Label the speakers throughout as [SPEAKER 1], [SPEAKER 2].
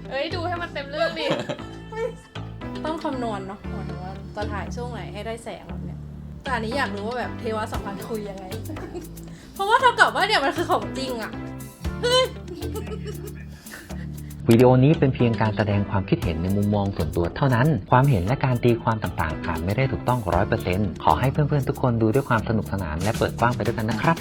[SPEAKER 1] เอ้ยดูให้มันเต็มเรื่องดิ
[SPEAKER 2] ต้องคำนวณเนาะหมายถึงว่าจะถ่ายช่วงไหนให้ได้แสงแบบเนี้ยแต่อันนี้อยากรู้ว่าแบบเทวสัมพันธ์คุยยังไง เพราะว่าเท่ากับว่าเนี่ยมันคือของจริงอะ
[SPEAKER 3] วิดีโอนี้เป็นเพียงการแสดงความคิดเห็นในมุมมองส่วนตัวเท่านั้น ความเห็นและการตีความต่างๆอาจไม่ได้ถูกต้อง 100% ขอให้เพื่อนๆทุกคนดูด้วยความสนุกสนานและเปิดกว้างไปด้วยกันนะครับ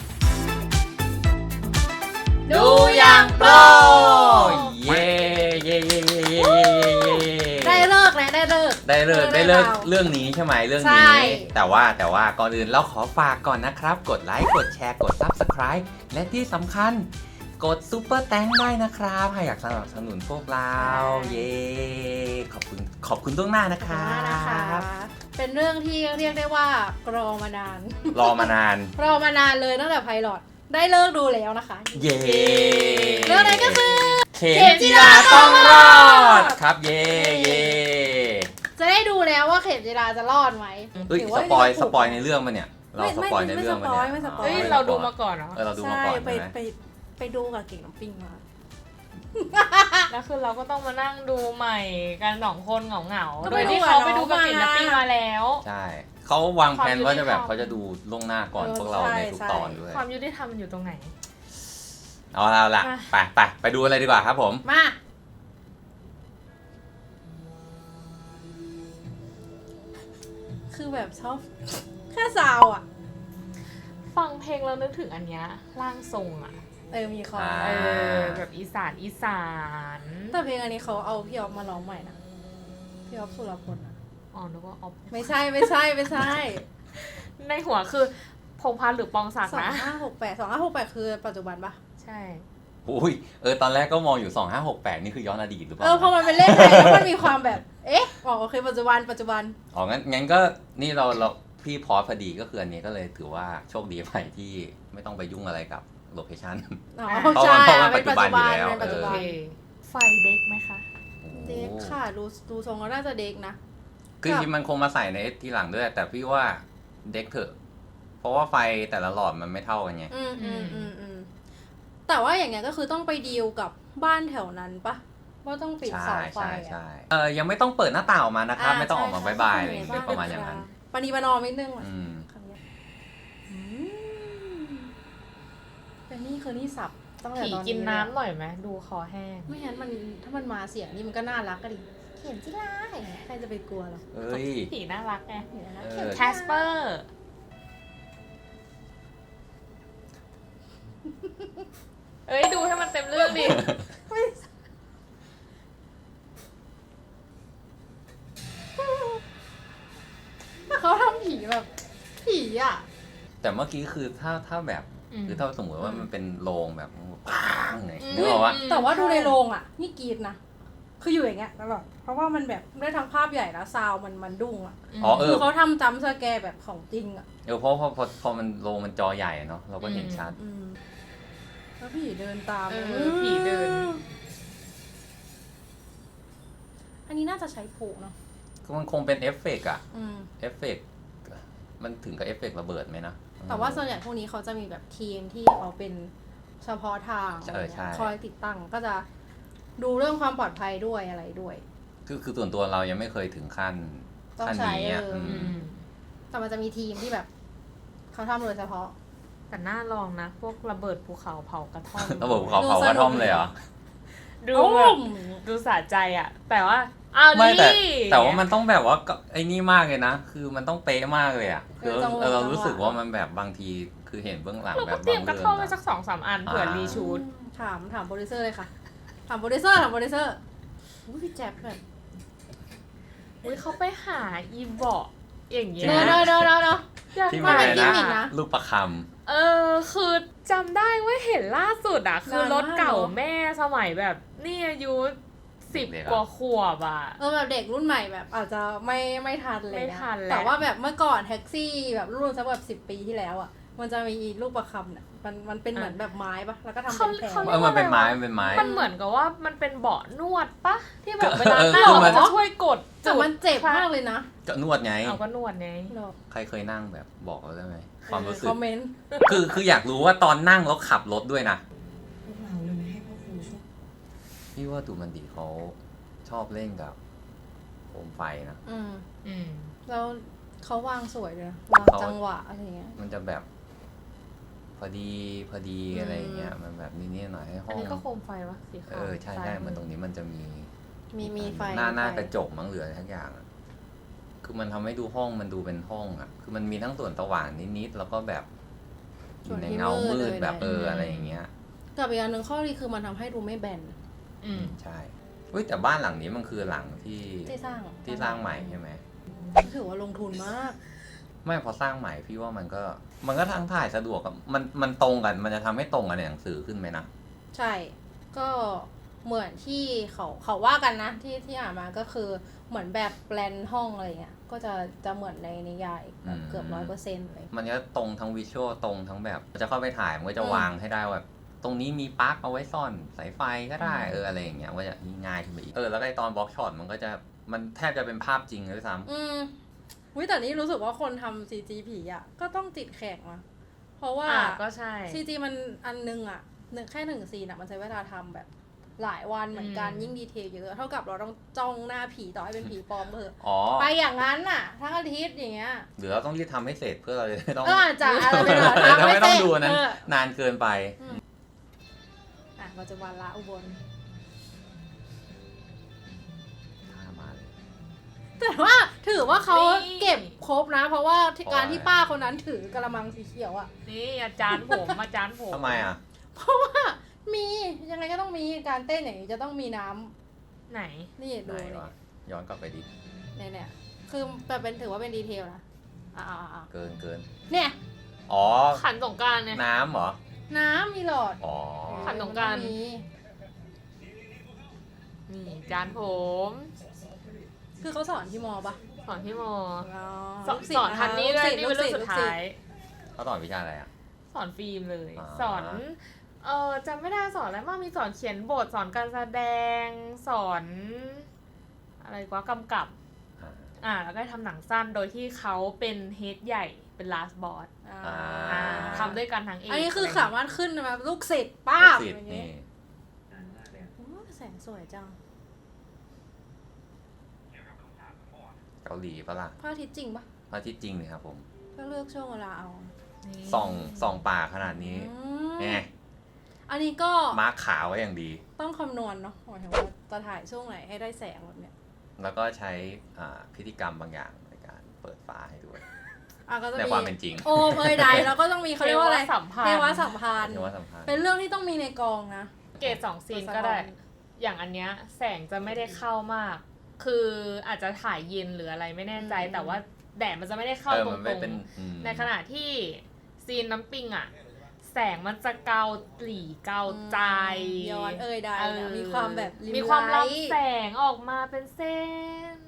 [SPEAKER 2] ดูอย่างโปร
[SPEAKER 4] เย้เย้เย้เย้เย้
[SPEAKER 2] ได้เลิกแล้วได้เลิก
[SPEAKER 4] ได้เลิกเรื่องนี้ใช่ไหมเรื่อง
[SPEAKER 2] ใช่
[SPEAKER 4] นี้แต่ว่าก่อนอื่นเราขอฝากก่อนนะครับกดไลค์กดแชร์กด Subscribe และที่สำคัญกดซุปเปอร์แตงได้นะครับหากอยากสนับสนุนพวกเราเย้ขอบคุณล่วงหน้านะครั
[SPEAKER 2] นะคะ
[SPEAKER 4] บ
[SPEAKER 2] เป็นเรื่องที่เรียกได้ว่ารอมานาน
[SPEAKER 4] รอมานาน
[SPEAKER 2] รอมานานเลยตั้งแต่ไพลอตได้เลิกดูแล้วนะคะ
[SPEAKER 4] เย้
[SPEAKER 2] เรื่องนั้นก็คือ
[SPEAKER 4] เข็มจีราต้องรอดครับเย้เย้
[SPEAKER 2] จะได้ดูแล้วว่าเข็มจีราจะรอดไหม
[SPEAKER 4] เฮ้ย
[SPEAKER 2] หรื
[SPEAKER 4] ส
[SPEAKER 2] ว่า
[SPEAKER 4] ปอย
[SPEAKER 2] จะถูก
[SPEAKER 4] สปอยในเรื่องมันเนี่ยเราสปอยในเรื่องมันเนี่ย
[SPEAKER 2] ไม่สปอย
[SPEAKER 1] เฮ้ยเราดูมาก่อนเหรอ
[SPEAKER 4] เราดูมา
[SPEAKER 2] ใช่
[SPEAKER 4] ก่อน
[SPEAKER 2] ไป
[SPEAKER 4] ใช่ไหม
[SPEAKER 2] ไปดูกับเก่งน้ำปิ้งมา
[SPEAKER 1] แล้วคือเราก็ต้องมานั่งดูใหม่กัน2 คนเหงา
[SPEAKER 2] ก็
[SPEAKER 1] ๆโด
[SPEAKER 2] ไป
[SPEAKER 1] ย
[SPEAKER 2] ดู
[SPEAKER 1] ที่
[SPEAKER 2] กับ
[SPEAKER 1] เขาไปดูกับ
[SPEAKER 2] น้อง
[SPEAKER 1] ปิ่นนับปิ้ง
[SPEAKER 2] มา
[SPEAKER 1] มาแล้ว
[SPEAKER 4] ใช่เขาวางแผนว่าจะแบบ
[SPEAKER 1] ความยุติธรรม
[SPEAKER 4] เขาจะดูล่วงหน้าก่อนพวกเราในทุกตอนด้วย
[SPEAKER 1] ความยุติธรรมมันอยู่ตรงไหน
[SPEAKER 4] เอาละ
[SPEAKER 1] อ่ะ
[SPEAKER 4] ไปดูอะไรดีกว่าครับผม
[SPEAKER 2] มาคือแบบชอบ แค่ซาวอ่ะ
[SPEAKER 1] ฟังเพลงแล้วนึกถึงอันเนี้ยร่างทรงอ่ะ
[SPEAKER 2] มีคอ
[SPEAKER 4] อ่า
[SPEAKER 1] แบบอีสาน
[SPEAKER 2] แต่เพลงอันนี้เขาเอาพี่ออฟมาร้องใหม่นะพี่ออฟสุรพลอะ
[SPEAKER 1] อ๋อนึกว่าออฟ
[SPEAKER 2] ไม่ใช่
[SPEAKER 1] ในหัวคือพงษ์พัฒน์หรือปองศักดิ์นะ
[SPEAKER 2] 2568คือปัจจุบันปะ
[SPEAKER 1] ใช่
[SPEAKER 4] อุ้ยตอนแรกก็มองอยู่ 2568 นี่คือย้อนอดีตหรือเปล่า
[SPEAKER 2] พอมันเป็นเลขไทยแล้วมันมีความแบบ โอเคปัจจุบัน
[SPEAKER 4] อ๋องั้นก็นี่เราพี่พอสพอดีก็คืออันนี้ก็เลยถือว่าโชคดีไปที่ไม่ต้องไปยุ่งอะไรกับโลเคชั่น
[SPEAKER 2] อ๋อ
[SPEAKER 4] เพราะ
[SPEAKER 2] ใช่
[SPEAKER 4] เพราะมัน
[SPEAKER 2] เป็นปัจจุบัน
[SPEAKER 4] ปัจจุบันอยู่แล้ว
[SPEAKER 2] เป็นปัจจุ
[SPEAKER 1] โอ
[SPEAKER 2] บัน
[SPEAKER 1] เคไฟเด็กไหมคะ
[SPEAKER 2] เด็กค่ะดูทรงก็น่าจะเด็กนะ
[SPEAKER 4] คือจริงๆมันคงมาใส่ในทีหลังด้วย แต่พี่ว่าเด็กเถอะ เพราะว่าไฟแต่ละหลอดมันไม่เท่ากันไง
[SPEAKER 2] แต่ว่าอย่างเงี้ยก็คือต้องไปดีลกับบ้านแถวนั้นปะว่าต้องปิดเสาไฟ
[SPEAKER 4] ใช่ยังไม่ต้องเปิดหน้าต่างออกมานะครับ ไม่ต้องออกมา
[SPEAKER 2] ใช่
[SPEAKER 4] บายๆอะไรอย่างเงี้ยเป็นประมาณอย่างนั้น
[SPEAKER 2] ปณีประนอมนิดนึงว่ะ
[SPEAKER 4] อืม
[SPEAKER 2] คำเนี้ยเป็นนี่คือนี่สับตั้งแต่
[SPEAKER 1] ผี
[SPEAKER 2] ตอน
[SPEAKER 1] กิน
[SPEAKER 2] เลย
[SPEAKER 1] น้ำหน่อยไหมดูคอแห้ง
[SPEAKER 2] ไม่งั้นมันถ้ามันมาเสียงนี่มันก็น่ารักก็ดิเขียนจิล่าใครจะไปกลัวหรอ
[SPEAKER 4] เอ้ย
[SPEAKER 1] ผีน่ารักไง
[SPEAKER 2] เห็นไหม
[SPEAKER 4] เออ
[SPEAKER 1] แคสเปอร์ เอ้ยดูให้มันเต็มเรื่องดิ
[SPEAKER 2] เขาทำผีแบบผีอ่ะ
[SPEAKER 4] แต่เมื่อกี้คือถ้าแบบ
[SPEAKER 1] อืม
[SPEAKER 4] คือถ้าสมมติว่ามันเป็นโรงแบบปังเลยนึกออกว่า
[SPEAKER 2] แต่ว่าดูในโรงอ่ะ นี่กรีดนะ คืออยู่อย่างเงี้ยตลอดเพราะว่ามันแบบได้ทั้งภาพใหญ่แล้วซาวมันดุ้งอ่ะ
[SPEAKER 4] อ๋อเอ
[SPEAKER 2] คือ อเขาทำจัมป์สแกร์แบบของจริงอ่ะ
[SPEAKER 4] เพราะพอมันโรงมันจอใหญ่เนาะเราก็เห็นชัด
[SPEAKER 2] แล้วผีเดินตาม
[SPEAKER 1] ผีเดิน
[SPEAKER 2] อันนี้น่าจะใช้ผูเนาะ
[SPEAKER 4] ก็มันคงเป็นเอฟเฟกต์อะ
[SPEAKER 2] อืม
[SPEAKER 4] เอฟเฟกต์มันถึงกับเอฟเฟกต์ระเบิดไหมนะ
[SPEAKER 2] แต่ว่าส่วนใหญ่พวกนี้เขาจะมีแบบทีมที่เขาเป็นเฉพาะทาง
[SPEAKER 4] ใช่ใช่
[SPEAKER 2] คอยติดตั้งก็จะดูเรื่องความปลอดภัยด้วยอะไรด้วย
[SPEAKER 4] คือส่วนตัวเรายังไม่เคยถึงขั้น
[SPEAKER 2] ต้อง
[SPEAKER 4] ขั้น
[SPEAKER 2] ใช้
[SPEAKER 4] นี้อะ
[SPEAKER 2] อืม แต่มันจะมีทีมที่แบบเขาทำโดยเฉพาะ
[SPEAKER 1] แต่น่าลองนะ พวกระเบิดภูเขาเผากระท่อม
[SPEAKER 4] ระเบิดภูเขาเผากระท่อมเลยเหรอ
[SPEAKER 1] ดูแบบ ดูสะใจอ่ะ แต่ว่าอ้าว
[SPEAKER 4] ไม่
[SPEAKER 1] นี่
[SPEAKER 4] แต่ว่ามันต้องแบบว่าก็ไอ้นี่มากเลยนะ คือมันต้องเป๊ะมากเลยอ่ะคือ
[SPEAKER 2] จังหวะ
[SPEAKER 4] เรารู้สึกว่ามันแบบบางทีคือเห็นเบื้องหลัง
[SPEAKER 1] เรา
[SPEAKER 4] แบ
[SPEAKER 1] ก็
[SPEAKER 4] บ
[SPEAKER 1] เตรียมกระท่อมไว้
[SPEAKER 4] บาง
[SPEAKER 1] สัก2-3 อันเผื่อรีชูด
[SPEAKER 2] ถามโปรดิวเซอร์เลยค่ะ ถามโปรดิวเซอร์อุ้ยพี่แจ๊บแบบ
[SPEAKER 1] อุ้ยเขาไปหาอีเบาะอย่างเงี้ย
[SPEAKER 2] เนอะ
[SPEAKER 1] อยาก
[SPEAKER 4] ที่
[SPEAKER 1] ไป
[SPEAKER 4] มันอะไร
[SPEAKER 2] กิมมิก
[SPEAKER 4] นะ
[SPEAKER 2] นะ
[SPEAKER 4] ลูกประค
[SPEAKER 1] คือจำได้ว่าเห็นล่าสุดอ่ะ คือรถเก่า
[SPEAKER 2] เนอะ
[SPEAKER 1] แม่สมัยแบบนี่อายุ10 กว่าขวบอ่ะ
[SPEAKER 2] แบบเด็กรุ่นใหม่แบบอาจจะไม่ทันเลย
[SPEAKER 1] ไม่ทันแล้ว
[SPEAKER 2] แต่ว่าแบบเมื่อก่อนแท็กซี่แบบรุ่นสักแบบ10 ปีที่แล้วอ่ะ มันจะมีลูกประคำเนี่ยมันเป็นเหมือนแบบไม้ปะแล้วก็ทำเป็นแผง
[SPEAKER 4] ำมันเป็นไม้มันเป็นไม้
[SPEAKER 1] มันเหมือนกับว่ามันเป็นเบาะนวดปะที่แบบเวลา
[SPEAKER 4] เออ
[SPEAKER 1] นั่ง
[SPEAKER 4] คือมั
[SPEAKER 1] มัน นจะช่วยกด
[SPEAKER 2] แต่มันเจ็บมากเลยนะ
[SPEAKER 4] ก็นวดไง
[SPEAKER 1] เอาก็นวดไง
[SPEAKER 4] ใครเคยนั่งแบบบอกเราได้ไหมความรู้สึก
[SPEAKER 2] คอมเมนต์
[SPEAKER 4] คืออยากรู้ว่าตอนนั่งแล้วขับรถด้วยนะ
[SPEAKER 5] พวกเราเลยให้พ่อครูช่วย
[SPEAKER 4] พี่ว่าดูมันดีเขาชอบเล่นกับโคมไฟนะ
[SPEAKER 1] อืม
[SPEAKER 2] แล้วเขาวางสวยเลยนะวางจังหวะอะไรเงี้ย
[SPEAKER 4] มันจะแบบพอดีอะไรอย่างเงี้ยมันแบบนิดๆหน่อยให้ห้
[SPEAKER 1] อัน
[SPEAKER 4] อง
[SPEAKER 1] นี้ก็โคมไฟวะสีขาว
[SPEAKER 4] ใช่มันตรงนี้มันจะมี
[SPEAKER 2] ไฟ
[SPEAKER 4] หน้ากระจกมั้งเหลืออะไรทั้งอย่างอะคือมันทำให้ดูห้องมันดูเป็นห้องอ่ะคือมันมีทั้งส่วนสว่างนิดๆแล้วก็แบบอยู่ในเงามืดแบบอะไรอย่างเงี้ย
[SPEAKER 2] กับอีกอันหนึ่งข้อดีคือมันทำให้ดูไม่แบน
[SPEAKER 1] อืม
[SPEAKER 4] ใช่เฮ้ยแต่บ้านหลังนี้มันคือหลังที่
[SPEAKER 2] ที่สร้าง
[SPEAKER 4] ใหม่ใช่ไหม
[SPEAKER 2] ถือว่าลงทุนมาก
[SPEAKER 4] ไม่พอสร้างใหม่พี่ว่ามันก็ทางถ่ายสะดวกกับมันตรงกันมันจะทำให้ตรงกันในหนังสือขึ้นไหมนะ
[SPEAKER 2] ใช่ ก็เหมือนที่เขาว่ากันนะที่อ่านมาก็คือเหมือนแบบแปลนห้องอะไรเงี้ยก็จะเหมือนในนิยายแบบเกือบ100%เลย
[SPEAKER 4] มันก็ตรงทั้งวิชวลตรงทั้งแบบจะเข้าไปถ่ายมันก็จะวางให้ได้แบบตรงนี้มีปลั๊กเอาไว้ซ่อนสายไฟก็ได้อะไรอย่างเงี้ยก็จะง่ายขึ้นไปอีกแล้วไอ้ตอนบล็อกช็อตมันแทบจะเป็นภาพจริงเลยด้วยซ้ำ
[SPEAKER 2] วิแต่นี่รู้สึกว่าคนทำ CG ผีอ่ะก็ต้องติดแขกมาเพราะว่า
[SPEAKER 1] ก็ใช่
[SPEAKER 2] CG มันอันนึงอ่ะแค่1 ซีนอ่ะมันใช้เวลาทำแบบหลายวันเหมือนกันยิ่งดีเทลเยอะเท่ากับเราต้องจ้องหน้าผีต่อให้เป็นผีปลอมเถอะ
[SPEAKER 4] อ๋อ
[SPEAKER 2] ไปอย่างนั้นน่ะทั้งอาทิตย์อย่างเงี้ย
[SPEAKER 4] หรือเราต้องรีบทำให้เสร็จเพื่อเราจะไม่ต้อง
[SPEAKER 2] อาจจะอะไรไม่รู้
[SPEAKER 4] เราไม่ต้องดูนั้น
[SPEAKER 2] เออน
[SPEAKER 4] านเกินไป
[SPEAKER 2] ปัจจุบันละอุบล
[SPEAKER 4] มาเลย
[SPEAKER 2] แต่ว่าถือว่าเขา
[SPEAKER 1] นี่
[SPEAKER 2] เก็บครบนะ เพราะว่าที่
[SPEAKER 4] เพราะ
[SPEAKER 2] การที่
[SPEAKER 4] อะไร
[SPEAKER 2] ป้าคนนั้นถือกระมังสีเขียวอ่ะ
[SPEAKER 1] นี่อาจารย์ผมอาจารย์ผม
[SPEAKER 4] ทำไมอ่ะ
[SPEAKER 2] เพราะว่ามียังไงก็ต้องมีการเต้นอย่างนี้จะต้องมีน้ำ
[SPEAKER 1] ไหน
[SPEAKER 2] นี่
[SPEAKER 4] ไห
[SPEAKER 2] ดู
[SPEAKER 4] น
[SPEAKER 2] นี่
[SPEAKER 4] วะย้อนกลับไปดิ
[SPEAKER 2] เนี่ยคือแบบเป็นถือว่าเป็นดีเทลนะ
[SPEAKER 4] เกิน
[SPEAKER 2] เนี่ย
[SPEAKER 4] อ๋อ
[SPEAKER 1] ขันสงกรานต์เนี่ย
[SPEAKER 4] น้ำเหรอ
[SPEAKER 2] น้ำมีหลอด
[SPEAKER 4] อ๋อ
[SPEAKER 1] ขันสงกรานต์
[SPEAKER 2] มี
[SPEAKER 1] นี่อาจารย์ผม
[SPEAKER 2] คือเขาสอนที่มอปะ
[SPEAKER 1] สอนที่ม
[SPEAKER 2] อ๋อ
[SPEAKER 1] สอนสอนทันนี้ด้วยนี่เป็นเรื่องสุดท้าย
[SPEAKER 4] เขาสอนวิชาอะไรอ่ะ
[SPEAKER 1] สอนฟิล์มเลย
[SPEAKER 4] อ่า
[SPEAKER 1] สอนจำไม่ได้สอนอะไรมากมีสอนเขียนบทสอนการแสดงสอนอะไรกว่ากำกับ แล้วก็ทำหนังสั้นโดยที่เขาเป็นเฮดใหญ่เป็น last boss ทำด้วยกันทั้งเอก
[SPEAKER 2] อันนี้คือสามารถขึ้นมาลูกศิษย์ป้าบ
[SPEAKER 4] สิท
[SPEAKER 2] อ
[SPEAKER 4] ธิ์
[SPEAKER 2] ย่าง
[SPEAKER 4] นี่
[SPEAKER 2] งี้โอ้แสงสวยจัง
[SPEAKER 4] เกาหลีปะล่ะ
[SPEAKER 2] พระอาทิตย์จริงปะ
[SPEAKER 4] พระอาทิตย์จริงเลยครับผม
[SPEAKER 2] ก็เลือกช่วงเวลาเอา
[SPEAKER 1] นี่
[SPEAKER 4] ส่องป่าขนาดนี้
[SPEAKER 2] อืม
[SPEAKER 4] ไง
[SPEAKER 2] อันนี้ก็
[SPEAKER 4] มาร์คขาวไว้อย่างดี
[SPEAKER 2] ต้องคำนวณเนาะหมายถึงว่าจะถ่ายช่วงไหนให้ได้แสงแบบเนี้ย
[SPEAKER 4] แล้วก็ใช้พิธีกรรมบางอย่างในการเปิดฟ้าให้ด้วย
[SPEAKER 2] ก็จะ
[SPEAKER 4] ใน
[SPEAKER 2] มี
[SPEAKER 4] ความเป็นจริง
[SPEAKER 2] โอมใดแล้วก็ต้องมีเขาเรียกว่าอะไร
[SPEAKER 1] สัมพัน
[SPEAKER 2] เท
[SPEAKER 1] ธ์
[SPEAKER 2] วสัมพันธ์
[SPEAKER 4] เรียกว่าสำคัญ
[SPEAKER 2] เป็นเรื่องที่ต้องมีในกองนะ
[SPEAKER 1] เกรด2 ซีนก็ได้ อย่างอันเนี้ยแสงจะไม่ได้เข้ามาก คืออาจจะถ่ายเย็นหรืออะไรไม่แน่ใจ แต่ว่าแดดมันจะไม่ได้เข้าตร
[SPEAKER 4] มันไม่
[SPEAKER 1] ง
[SPEAKER 4] เป็น
[SPEAKER 1] ๆ ในขณะที่ซีนน้ำปิงอะแสงมันจะเกาหลีเกาใจ
[SPEAKER 2] ย้อนใดนะมีความแบบริ
[SPEAKER 1] มีความ
[SPEAKER 2] ไล
[SPEAKER 1] รับ
[SPEAKER 2] ท์
[SPEAKER 1] แสงออกมาเป็นเส้น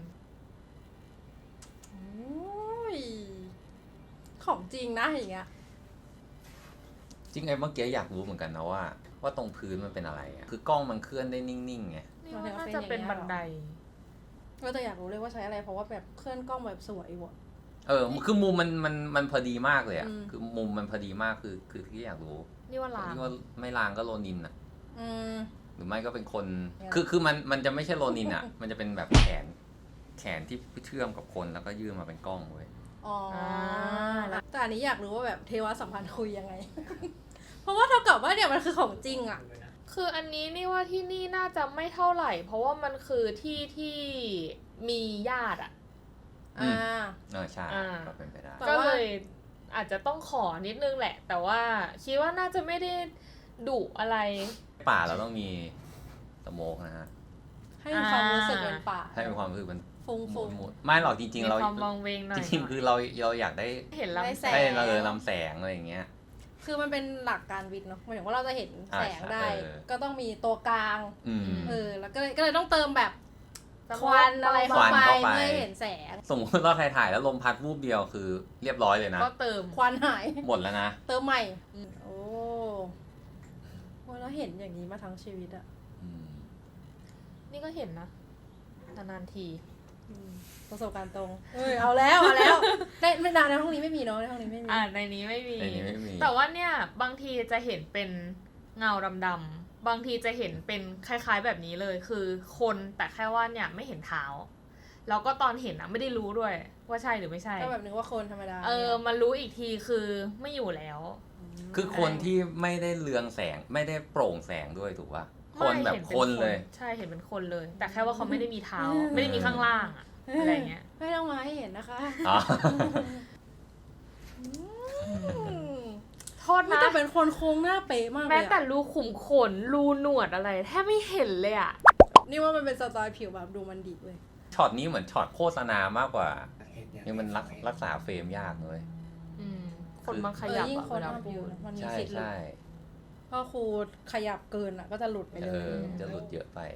[SPEAKER 2] โอ้ยของจริงนะอย่างเงี้ย
[SPEAKER 4] จริงไอ้เมื่อกี้อยากรู้เหมือนกันนะว่าตรงพื้นมันเป็นอะไรอะคือกล้องมันเคลื่อนได้นิ่งๆไง
[SPEAKER 1] นี่ว่าน่าจะเป็นบันได
[SPEAKER 2] ก็จะอยากรู้เลยว่าใช้อะไรเพราะว่าแบบเคลื่อนกล้องแบบสวยว่ะ
[SPEAKER 4] คือมุมมันพอดีมากเลยอ่ะ
[SPEAKER 2] อืม
[SPEAKER 4] คือมุมมันพอดีมากคือที่อยากรู้
[SPEAKER 1] นี่ว่าลาง
[SPEAKER 4] ที่ว่าไม่ลางก็โรนินอ่ะ
[SPEAKER 2] อืม
[SPEAKER 4] หรือไม่ก็เป็นคน
[SPEAKER 2] เนี่ย
[SPEAKER 4] คือมันจะไม่ใช่โรนินอ่ะ มันจะเป็นแบบแขนที่เชื่อมกับคนแล้วก็ยื่นมาเป็นกล้องเว้ย
[SPEAKER 2] อ๋อ
[SPEAKER 1] แล้ว
[SPEAKER 2] แต่อันนี้อยากรู้ว่าแบบเทวสัมพันธ์คุยยังไง เพราะว่าเท่ากับว่าเนี่ยมันคือของจริงอ่ะ
[SPEAKER 1] คืออันนี้นี่ว่าที่นี่น่าจะไม่เท่าไหร่ เพราะว่ามันคือที่มีญาติอะ
[SPEAKER 4] อืม
[SPEAKER 2] อ่า
[SPEAKER 4] ใช่
[SPEAKER 1] อ่า
[SPEAKER 4] ก็เป็นไปได้
[SPEAKER 2] แต่
[SPEAKER 1] ก็
[SPEAKER 2] ว่า
[SPEAKER 1] เลยอาจจะต้องขอนิดนึงแหละ แต่ว่าคิดว่าน่าจะไม่ได้ดุอะไร
[SPEAKER 4] ป่าเราต้องมีสโมกนะฮะ
[SPEAKER 2] ให้มีความรู้สึกเป็นป่า
[SPEAKER 4] ให้มีความรู้สึกมัน
[SPEAKER 2] ฟุ้ง
[SPEAKER 4] ห
[SPEAKER 2] ฟุ้ง
[SPEAKER 4] มุนไม่หรอกจริง
[SPEAKER 1] มี
[SPEAKER 4] ๆเรา
[SPEAKER 1] ความมองเวงหน่อย
[SPEAKER 4] จริงๆคือเราอยากได้
[SPEAKER 1] เห็นลำแส
[SPEAKER 2] ได้
[SPEAKER 1] ง
[SPEAKER 4] ให้ลำแสงอะไรอย่างเงี้ย
[SPEAKER 2] คือมันเป็นหลักการวิทย์เนาะหมายถึงว่าเราจะเห็นแสงได้
[SPEAKER 4] เออ
[SPEAKER 2] ก็ต้องมีตัวกลาง
[SPEAKER 4] อืม
[SPEAKER 2] แล้วก็เลยต้องเติมแบบ
[SPEAKER 1] สโมก
[SPEAKER 2] ควันอะไรเข้า
[SPEAKER 4] ควัน
[SPEAKER 2] ไป
[SPEAKER 4] เข้าไป
[SPEAKER 2] เพื่อให้เห็นแสง
[SPEAKER 4] สมมติเราถ่ายแล้วลมพัดวูบเดียวคือเรียบร้อยเลยนะ
[SPEAKER 1] ก็เติม
[SPEAKER 2] ควันหาย
[SPEAKER 4] หมดแล้วนะ
[SPEAKER 2] เติมใหม่โอ้แล้วเห็นอย่างนี้มาทั้งชีวิตอะ
[SPEAKER 4] อืม
[SPEAKER 1] นี่ก็เห็นนะนานๆที
[SPEAKER 2] ประสบการณ์ตรงเอาแล้ว ในห้องนี้ไม่มีเนาะในห้องนี้ไม่มี
[SPEAKER 1] ในนี้ไม่มี
[SPEAKER 4] ในนี้ไม่มี
[SPEAKER 1] แต่ว่าเนี่ยบางทีจะเห็นเป็นเงาดำๆบางทีจะเห็นเป็นคล้ายๆแบบนี้เลยคือคนแต่แค่ว่าเนี่ยไม่เห็นเท้าแล้วก็ตอนเห็นอะไม่ได้รู้ด้วยว่าใช่หรือไม่ใช่
[SPEAKER 2] ก็แบบนึกว่าคนธรรมดา
[SPEAKER 1] มารู้อีกทีคือไม่อยู่แล้ว
[SPEAKER 4] คือคนที่ไม่ได้เรืองแสงไม่ได้โปร่งแสงด้วยถูกป่ะคนแบบคนเลย
[SPEAKER 1] ใช่เห็นเป็นคนเลย แต่แค่ว่าเขาไม่ได้มีเท้า ไม่ได้มีข้างล่างอะอะไรเงี้ย
[SPEAKER 2] ไม่ต้องมาให้เห็นนะคะ
[SPEAKER 4] อ๋อ
[SPEAKER 1] โทษนะ
[SPEAKER 2] แต่เป็นคนโค้งหน้าเป๊ะมากเลย
[SPEAKER 1] แม้แต่
[SPEAKER 2] อะ
[SPEAKER 1] รูขุมขนรูหนวดอะไรแทบไม่เห็นเลยอ่ะ
[SPEAKER 2] นี่ว่ามันเป็นสไตล์ผิวแบบดูมันดีเว้ย
[SPEAKER 4] ช็อตนี้เหมือนช็อตโฆษณามากกว่ายังมันรักษาเฟรมยากเลย
[SPEAKER 1] คนมันขยับ
[SPEAKER 2] ยิ่ง
[SPEAKER 1] อะ
[SPEAKER 2] คน
[SPEAKER 1] เวลา
[SPEAKER 2] ทำ
[SPEAKER 1] พู
[SPEAKER 2] อยู่
[SPEAKER 1] ด
[SPEAKER 2] มันมี
[SPEAKER 4] ใช่
[SPEAKER 2] สิทธิ์หลุด
[SPEAKER 4] ใช่
[SPEAKER 2] เพราะครูขยับเกินอ่ะก็จะหลุดไปเลย
[SPEAKER 4] จะหลุดเยอะไป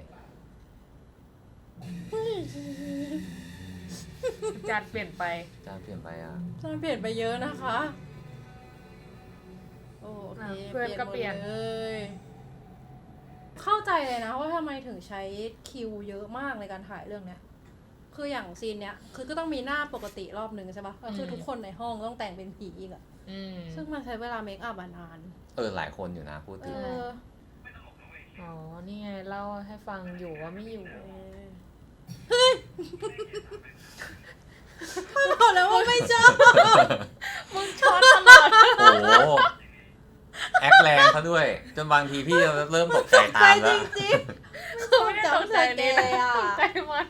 [SPEAKER 1] จานเปลี่ยนไป
[SPEAKER 4] จานเปลี่ยนไปอ่ะ
[SPEAKER 2] มันเปลี่ยนไปเยอะนะคะ โอเค
[SPEAKER 1] เพื่อนก็เปลี่ยน
[SPEAKER 2] หมดเลย เข้าใจเลยนะว่าทำไมถึงใช้คิวเยอะมากในการถ่ายเรื่องเนี้ย คืออย่างซีนเนี้ยคือก็ต้องมีหน้าปกติรอบนึงใช่ปะก็คือทุกคนในห้องต้องแต่งเป็นผีอีกอะซึ่งมันใช้เวลาเมคอัพนาน
[SPEAKER 4] หลายคนอยู่นะพูดถึง
[SPEAKER 1] อ๋อ นี่ไงเล่าให้ฟังอยู่ว่าไม่อยู่
[SPEAKER 2] บอกแล้วว่าไม่ชอบ
[SPEAKER 1] มึงช็อตตลอด
[SPEAKER 4] โอ้โหแอคแรงเขาด้วย จนบางทีพี่เริ่มตกใจตามแล้ว
[SPEAKER 2] จริง
[SPEAKER 1] คือไม่ได้ตกใจนี่นะตกใจมัน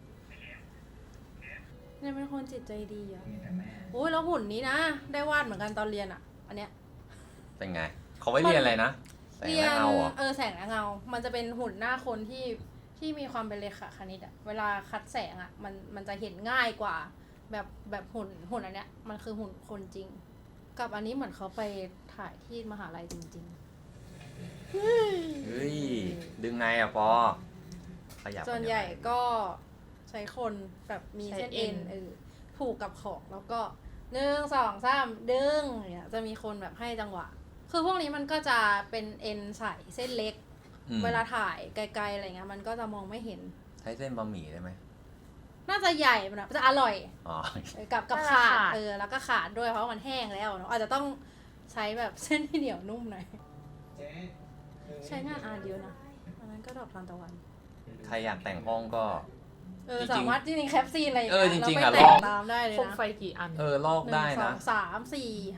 [SPEAKER 2] ๆเนี่ยเป็นคนจิตใจดีอ่ะโอ้ยแล้วหุ่นนี้นะ ได้วาดเหมือนกันตอนเรียนอ่ะ อันเนี้ย
[SPEAKER 4] เป็นไง เขาไว้เรียนอะไรนะแสง
[SPEAKER 2] เรีย
[SPEAKER 4] และ
[SPEAKER 2] น
[SPEAKER 4] เงาเหรอ
[SPEAKER 2] แสงและเงา มันจะเป็นหุ่นหน้าคนที่มีความเป็นเลขาคณิตอ่ะ เวลาคัดแสงอ่ะ มันจะเห็นง่ายกว่า แบบหุ่นอันเนี้ย มันคือหุ่นคนจริง กับอันนี้เหมือนเขาไปถ่ายที่มหาลัยจริง
[SPEAKER 4] เฮ้ย ดึงไงอะปอขยับ
[SPEAKER 2] ๆ ส่วนใหญ่ก็ใช้คนแบบมีเส้นเอ็นผูกกับของแล้วก็1 2 3ดึงเนี่ยจะมีคนแบบให้จังหวะ คือพวกนี้มันก็จะเป็นเอ็นใส่เส้นเล็ก เวลาถ่ายไกลๆอะไรเงี้ยมันก็จะมองไม่เห็น
[SPEAKER 4] ใช้เส้นบะหมี่ได้ไหม
[SPEAKER 2] น่าจะใหญ่มันจะอร่อย
[SPEAKER 4] อ๋อ
[SPEAKER 2] กับขาดแล้วก็ขาดด้วยเพราะมันแห้งแล้วเนาะอาจจะต้องใช้แบบเส้นที่เหนียวนุ่มหน่อยใช้งานเยอะนะอันนั้นก็ดอกทานตะวัน
[SPEAKER 4] ใครอยากแต่งห้องก็ จริงๆ
[SPEAKER 2] สามารถจริงๆแคปซีนอะไรอย่าง
[SPEAKER 4] จริงๆ
[SPEAKER 2] เรา
[SPEAKER 4] อะ
[SPEAKER 2] ไปแต่
[SPEAKER 4] ล
[SPEAKER 2] ง
[SPEAKER 4] อง
[SPEAKER 2] ตามได้เลย
[SPEAKER 1] โคม
[SPEAKER 2] นะ
[SPEAKER 1] ไฟกี่อัน
[SPEAKER 4] ลอกได้นะ
[SPEAKER 2] 1 2 3 4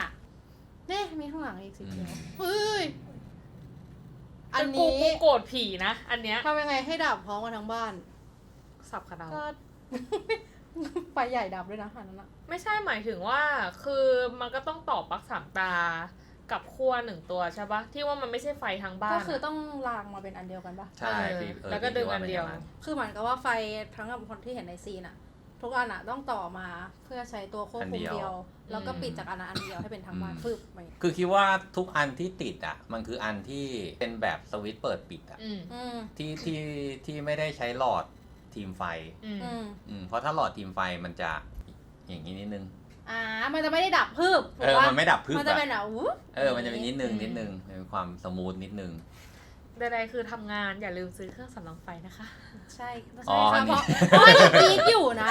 [SPEAKER 2] 5เนี่ยมีข้างหลังอีกสีเขียวเฮ้ยอัน
[SPEAKER 1] กู
[SPEAKER 2] นี้
[SPEAKER 1] โกรธผีนะ อันเนี้ย
[SPEAKER 2] ทำยังไงให้ดับพร้อมกันทั้งบ้าน
[SPEAKER 1] สับขนาด
[SPEAKER 2] ก็ ไฟใหญ่ดับด้วยนะอันนั้นอะ
[SPEAKER 1] ไม่ใช่หมายถึงว่าคือมันก็ต้องต่อปลั๊ก3 ตากับขั้ว1 ตัวใช่ปะที่ว่ามันไม่ใช่ไฟทางบ้าน
[SPEAKER 2] ก็คือต้องรางมาเป็นอันเดียวกันปะ
[SPEAKER 4] ใช่พี่
[SPEAKER 1] แล้วก็ดึงอันเดียว
[SPEAKER 4] พี่าป็าง
[SPEAKER 2] คือเหมือนกับว่าไฟทั้งกับคนที่เห็นในซีนอะทุกอันอะต้องต่อมาเพื่อใช้ตัวควบคุมเดียว แล้วก็ปิดจากอันนั้นอันเดียวให้เป็นทั้งบ้านฟึบไป
[SPEAKER 4] คือคิดว่าทุกอันที่ติดอ่ะ มันคืออันที่เป็นแบบสวิตช์เปิดปิดอ่ะ ที่ไม่ได้ใช้หลอดทีมไฟ เพราะถ้าหลอดทีมไฟมันจะอย่างนี้นิดนึง
[SPEAKER 2] มันจะไม่ได้ดับพึบ
[SPEAKER 4] มันไม่ดับพึบ
[SPEAKER 2] มันจะเป็นแบบวู๊
[SPEAKER 4] มันจะเป็นนิดนึงเป็นความสมูทนิดนึง
[SPEAKER 1] ใดๆคือทำงานอย่าลืมซื้อเครื่องสำรองไฟนะคะ
[SPEAKER 2] ใช่
[SPEAKER 4] อ๋อ
[SPEAKER 2] ค่ะ
[SPEAKER 4] อันนี้
[SPEAKER 2] เพราะว่าเราปีกอยู่นะ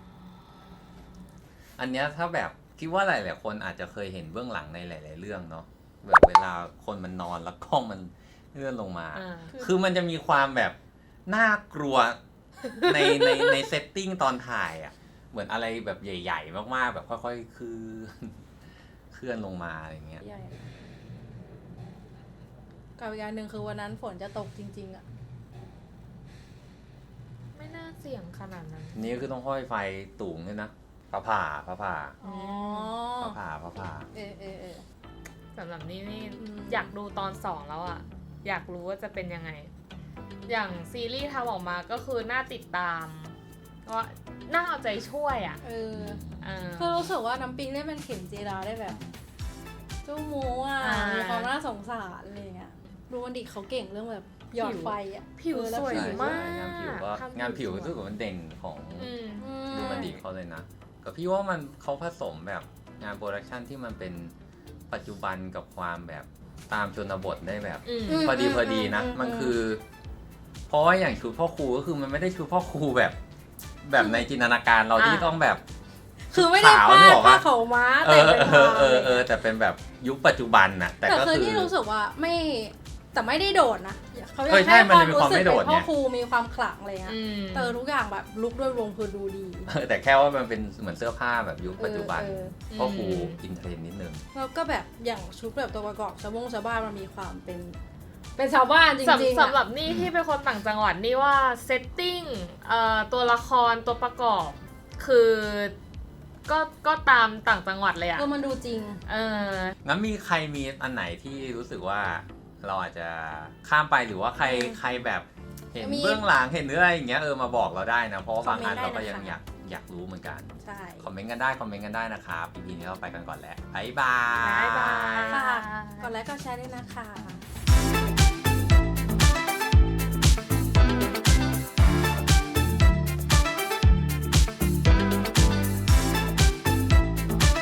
[SPEAKER 4] อันเนี้ยถ้าแบบคิดว่าหลายๆคนอาจจะเคยเห็นเบื้องหลังในหลาย ๆ เรื่องเนาะแบบเวลาคนมันนอนแล้วกล้องมันเลื่อนลงมา คือมันจะมีความแบบน่ากลัวในเซตติ้งตอนถ่ายอ่ะเหมือนอะไรแบบใหญ่ ๆ มากๆ แบบค่อยๆเคลื่อนลงมาอะไรเงี้ย
[SPEAKER 2] ใหญ่กับอีกอย่างหนึ่งคือวันนั้นฝนจะตกจริงๆอะ
[SPEAKER 1] ไม่น่าเสี่ยงขนาดนั้น
[SPEAKER 4] นี่คือต้องห้อยไฟตูงด้วยนะผ่า
[SPEAKER 2] อ๋อ
[SPEAKER 1] สำหรับนี่
[SPEAKER 2] อืม
[SPEAKER 1] อยากดูตอน2แล้วอ่ะ อยากรู้ว่าจะเป็นยังไง อย่างซีรีส์ทำออกมาก็คือน่าติดตามว่าน่าเอาใจช่วยอ่ะ
[SPEAKER 2] คือรู้สึกว่าน้ำปิงได้เป็นเข็มจีราได้แบบเจ้าหมูอ่ะมีความน่าสงสารอะไรเงี้ยดูวันดิเขาเก่งเรื่องแบบหยอดไฟอ่ะ
[SPEAKER 1] ผิวสวย
[SPEAKER 4] ใช่
[SPEAKER 1] มาก
[SPEAKER 4] งานผิวก็
[SPEAKER 1] ทำ
[SPEAKER 4] งานผิว
[SPEAKER 1] สย
[SPEAKER 4] รู้สึกว่ามันเด่นของ
[SPEAKER 1] อืม
[SPEAKER 4] ดูมันดีเขาเลยนะก็พี่ว่ามันเขาผสมแบบงานโปรดักชันที่มันเป็นปัจจุบันกับความแบบตามชนบทได้แบบ พอดีนะ มันคือ เพราะว่าอย่างชุดพ่อครูก็คือมันไม่ได้ชุดพ่อครูแบบในจินตนาการเราที่ต้องแบบ
[SPEAKER 2] คือไม่ได้
[SPEAKER 4] ขาว
[SPEAKER 2] ผ้า
[SPEAKER 4] นึกออกปะ
[SPEAKER 2] ผ้าเขาวม้าแต่เป็นผ้า
[SPEAKER 4] แต่เป็นแบบยุคปัจจุบันน่ะแต่
[SPEAKER 2] แต่
[SPEAKER 4] ก็
[SPEAKER 2] คือ
[SPEAKER 4] คือ
[SPEAKER 2] ที่รู้สึกว่าแต่ไม่ได้โดดนะเขาอยาก
[SPEAKER 4] ใช่
[SPEAKER 2] ให้
[SPEAKER 4] มัน
[SPEAKER 2] ความ
[SPEAKER 4] จะมี
[SPEAKER 2] รู้
[SPEAKER 4] ความ
[SPEAKER 2] สึก
[SPEAKER 4] ไม่โด
[SPEAKER 2] เป็
[SPEAKER 4] ด
[SPEAKER 2] นพ่อ
[SPEAKER 4] ไง
[SPEAKER 2] ครูมีความขลังอะไรเงี้ย
[SPEAKER 1] อืม
[SPEAKER 2] แต่ทุกอย่างแบบลุกด้วยรวมคือดูดี
[SPEAKER 4] แต่แค่ว่ามันเป็นเหมือนเสื้อผ้าแบบยุคปัจจุบัน
[SPEAKER 2] เออ
[SPEAKER 4] เพราะครูอินเทรนด์นิดนึง
[SPEAKER 2] แล้วก็แบบอย่างชุดแบบตัวประกอบชาวบ้านมันมีความเป็นชาวบ้านจริงๆ
[SPEAKER 1] สำหรับนี่ที่เป็นคนต่างจังหวัดนี่ว่าเซตติ้งตัวละครตัวประกอบคือก็ตามต่างจังหวัดเลยอะ
[SPEAKER 2] มันดูจริง
[SPEAKER 4] งั้นมีใครมีอันไหนที่รู้สึกว่าเราอาจจะข้ามไปหรือว่าใครแบบเห็น
[SPEAKER 2] มี
[SPEAKER 4] เบื้องหลังเห็นเนื้ออะไรอย่างเงี้ยมาบอกเราได้นะ เพราะว่าบางอัน
[SPEAKER 2] คอมเมนต์
[SPEAKER 4] เราก็
[SPEAKER 2] ได้
[SPEAKER 4] ยัง
[SPEAKER 2] นะคะ
[SPEAKER 4] อยากรู้เหมือนกัน
[SPEAKER 2] ใช่
[SPEAKER 4] คอมเมนต์กันได้นะครับ EP นี้เราไปกันก่อนแล้วบ๊ายบาย
[SPEAKER 1] บ๊ายบาย
[SPEAKER 2] ฝากกดไลค์กดแชร์ด้วยนะคะ